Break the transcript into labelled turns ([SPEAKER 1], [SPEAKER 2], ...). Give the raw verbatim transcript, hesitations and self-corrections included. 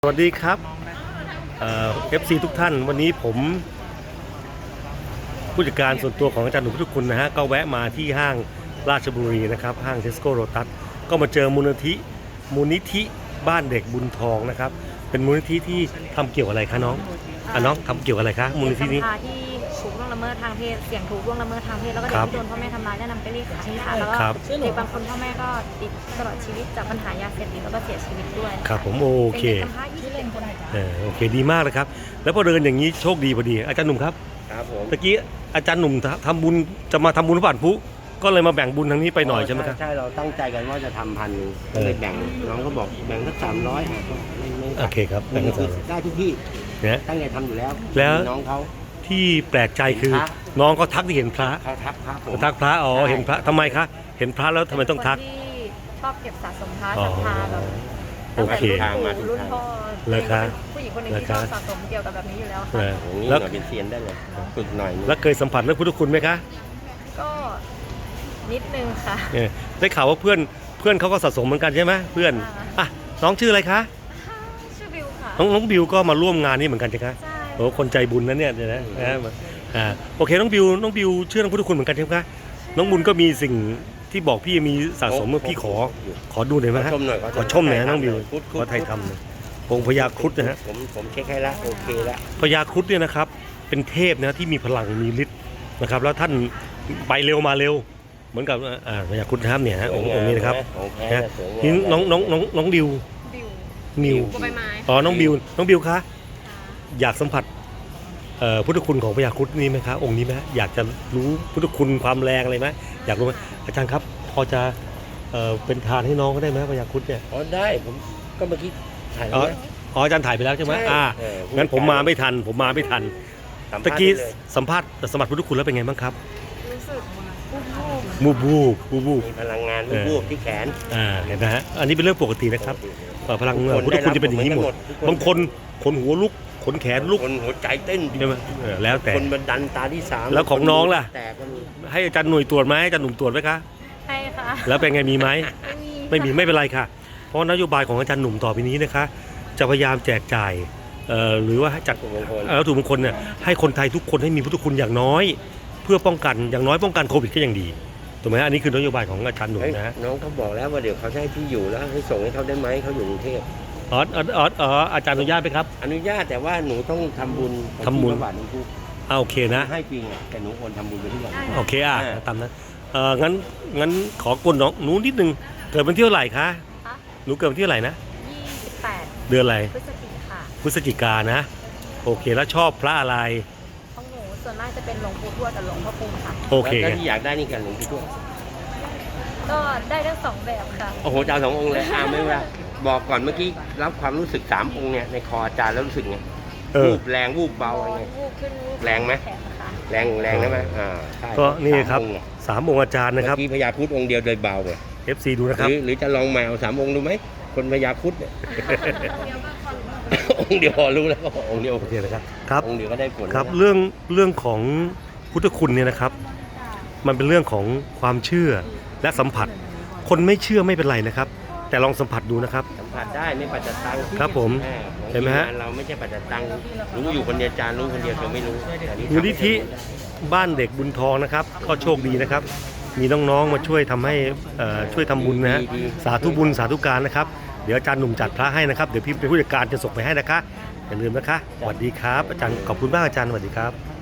[SPEAKER 1] สวัสดีครับเอฟซีทุกท่านวันนี้ผมผู้จัดการส่วนตัวของอาจารย์หนุ่มทุกคนนะฮะก็แวะมาที่ห้างราชบุรีนะครับห้างเทสโก้โรตัสก็มาเจอมูลนิธิมูลนิธิบ้านเด็กบุญทองนะครับเป็นมูลนิธิที่ทำเกี่ยวกับอะไรคะน้องอ่ะน้องทำเกี่ยวกับอะไรคะมูลนิธินี้
[SPEAKER 2] ที่ถูกล่วงละเมิดทางเพศเสี่ยงถูกล่วงละเมิดทางเพศแล้วก็เด็กที่โดนพ่อแม่ทำร้ายแนะนำไปเรียกขายค่ะแล้วก็เด็กบางคนพ่อแม่ก็ติดตลอดชีวิตจากปัญหายาเสพติดแล้วก็เสียชีวิตด้วย
[SPEAKER 1] ครับผมโอเคเออโอเคดีมากเลยครับแล้วพอเดินอย่างนี้โชคดีพอดีอาจารย์หนุ่มครับ
[SPEAKER 3] ครับผม
[SPEAKER 1] ตะกี้อาจารย์หนุ่มทำบุญจะมาทำบุญผ่านผู้ก็เลยมาแบ่งบุญทางนี้ไปหน่อยใช่ไหมครับ
[SPEAKER 3] ใช่เราตั้งใจกันว่าจะทำพันก็เลยแบ่งน้องก็บอกแบ่งสักสามร้อย
[SPEAKER 1] โอเคครับแบ่งสัก
[SPEAKER 3] ได้ทุกที่
[SPEAKER 1] เนี่ย
[SPEAKER 3] ตั้งใจทำอยู่แล้ว
[SPEAKER 1] แล้ว
[SPEAKER 3] น้องเขา
[SPEAKER 1] ที่แปลกใจคือน้องก็ทักที่เห็นพระ
[SPEAKER 3] เขาทักพระผม
[SPEAKER 1] ทักพระอ๋อเห็นพระทำไมคะเห็นพระแล้วทำไมต้องทัก
[SPEAKER 2] ที่ชอบเก็บสะสมพระศรัทธาแบบ
[SPEAKER 1] โอเค
[SPEAKER 3] ทางมาถึงทาง
[SPEAKER 1] เลยครับ
[SPEAKER 2] ผู้หญิงคนหนึ่งที่ชอบสะสมเกี่ยวกับแบบนี้อยู่แล้วค่ะ
[SPEAKER 3] แล้วเป็นเซียนได้เลยฝึกหน่อย
[SPEAKER 1] แล้วเคยสัมผัสเรื่องพุทธคุณไหมคะ
[SPEAKER 2] ก็นิดนึงค่ะ
[SPEAKER 1] ได้ข่าวว่าเพื่อนเพื่อนเขาก็สะสมเหมือนกันใช่ไหมเพื่อนอ่ะน้องชื่ออะไรคะ
[SPEAKER 2] ชื่อบิวค่ะ
[SPEAKER 1] น้องน้องบิวก็มาร่วมงานนี้เหมือนกันใช่ไหมโอ้คนใจบุญนะเนี่ยนะอ่าโอเคน้องบิวน้องบิวเชื่อเรื่องพุทธคุณเหมือนกันใช่ไหมคะน้องบุญก็มีสิ่งที่บอกพี่มีสะสมเมื่อพี่ขอขอดูหน่อยไหมฮะขอชมหน่อยน้องบิวขอไทยทำเลยองค์พญาครุฑนะฮะ
[SPEAKER 3] ผมผมเช็คให้ละโอเคละ
[SPEAKER 1] พญาครุฑเนี่ยนะครับเป็นเทพนะที่มีพลังมีฤทธิ์นะครับแล้วท่านไปเร็วมาเร็วเหมือนกับอ่าพญาครุฑนะครับเนี่ยฮะองค์องค์นี้นะครับนะนี่น้องน้องน้องน้องดิวนิวอ๋อน้องบิวน้องบิวคะอยากสัมผัสพุทธคุณของพญาครุฑนี่ไหมคะองค์นี้ไหมอยากจะรู้พุทธคุณความแรงอะไรไหมอยากรู้ไหมอาจารย์ครับพอจะเป็นทานให้น้องก็ได้ไหมพญาครุฑเนี่ย
[SPEAKER 3] อ๋อได้ผมก็เมื่อกี้ถ่าย
[SPEAKER 1] อ๋ออาจารย์ถ่ายไปแล้วใช่ไหมอ่างั้นผมมาไม่ทันผมมาไม่ทันตะกี้สัมภาษณ์สมบัติพุทธคุณแล้วเป็นไงบ้างครับ
[SPEAKER 2] รู้สึก
[SPEAKER 1] มูบูบูบู
[SPEAKER 3] มีพลังงานมูบูที่แขน
[SPEAKER 1] อ่าเห็นไหมฮะอันนี้เป็นเรื่องปกตินะครับพลังพุทธคุณจะเป็นอย่างนี้หมดบางคนขนหัวลุกขนแขนลุก
[SPEAKER 3] คนหัวใจเต้น
[SPEAKER 1] ใช่ไหมแล้วแต่
[SPEAKER 3] คนมันดันตาที่สาม
[SPEAKER 1] แล้วของน้องล่ะให้อาจารย์หน่วยตรวจไหมอาจารย์หนุ่มตรวจไหมคะ
[SPEAKER 2] ให้ค่ะ
[SPEAKER 1] แล้วเป็นไงมีไหม
[SPEAKER 2] ไม่มี
[SPEAKER 1] ไม่มีไม่เป็นไรค่ะเพราะนโยบายของอาจารย์หนุ่มต่อไปนี้นะคะจะพยายามแจกจ่ายหรือว่าจัดวัตถุมงคลเนี่ยให้คนไทยทุกคนให้มีพุทธคุณอย่างน้อยเพื่อป้องกันอย่างน้อยป้องกันโควิดก็ยังดีถูกไหมอันนี้คือนโยบายของอาจารย์หนุ่มนะ
[SPEAKER 3] น้องเขาบอกแล้วว่าเดี๋ยวเขาให้ที่อยู่แล้วให้ส่งให้เขาได้ไหมเขาอยู่กรุงเทพ
[SPEAKER 1] อ๋ออ๋ออ๋ออาจารย์อนุญาตไหมครับ
[SPEAKER 3] อนุญาตแต่ว่าหนูต้องทำบุญ
[SPEAKER 1] ทำบุญ
[SPEAKER 3] บาทหนึ่งทุก
[SPEAKER 1] อ่าโอเคนะ
[SPEAKER 3] ให้จริงแต่หนูควรทำบุญไปทุกวัน
[SPEAKER 1] โอเคอ่ะตามนั้นเอองั้นงั้นขอกดน้องหนูนิดนึงเกิดวันที่เท่าไหร่คะหนูเกิดวันที่เท่าไหร่นะ
[SPEAKER 2] ยี่สิบแปด
[SPEAKER 1] เดือนอะไร
[SPEAKER 2] พฤศจิกา
[SPEAKER 1] พฤศจิกานะโอเคแล้วชอบพระอะไร
[SPEAKER 2] ของหนูส่วนมากจะเป็นหลวงปู่ทวดกับหลวงพ่อคูณค่ะ
[SPEAKER 1] โอเค
[SPEAKER 3] แล้วที่อยากได้นี่กันหลวงปู่ทวด
[SPEAKER 2] ก็ได้ทั้งสองแบบค่ะ
[SPEAKER 3] โอ้โหจ้าสององค์เลยอ่าไม่ว่าบอกก่อนเมื่อกี้รับความรู้สึกสามองค์เนี่ยในคออาจารย์แล้วรู้สึกไงวูบแรงวูบเบาอะไรเงี้ยแรงไหมแรงแรงได้ไหมอ่าใช่
[SPEAKER 1] ก็นี่ครับสามองค์อาจารย์นะครับ
[SPEAKER 3] ที่พญาครุฑองค์เดียวโดยเบาเลย
[SPEAKER 1] เอฟ ซี ดูนะครับ
[SPEAKER 3] หรือจะลองมาเอาสามองค์ดูไหมคนพญาครุฑเนี่ยองค์เดียวพอรู้แล้วก็องค์เดียว
[SPEAKER 1] โอเคนะครับครับ
[SPEAKER 3] องค์เดียวก็ได้ผล
[SPEAKER 1] ครับเรื่องเรื่องของพุทธคุณเนี่ยนะครับมันเป็นเรื่องของความเชื่อและสัมผัสคนไม่เชื่อไม่เป็นไรนะครับแต่ลองสัมผัสดูนะครับ
[SPEAKER 3] สัมผัสได้ไม่ปัจจัยตัง
[SPEAKER 1] ครับผมเห็นไหมฮะ
[SPEAKER 3] เราไม่ใช่ปัจจัยตังรู้อยู่คนเดียวจานรู้คนเดียวเธอไม่รู้
[SPEAKER 1] มูลนิธิบ้านเด็กบุญทองนะครับก็โชคดีนะครับมีน้องๆมาช่วยทำให้ช่วยทำบุญนะฮะสาธุบุญสาธุการนะครับเดี๋ยวอาจารย์หนุ่มจัดพระให้นะครับเดี๋ยวพี่เป็นผู้จัดการจะส่งไปให้นะคะอย่าลืมนะคะสวัสดีครับอาจารย์ขอบคุณมากอาจารย์สวัสดีครับ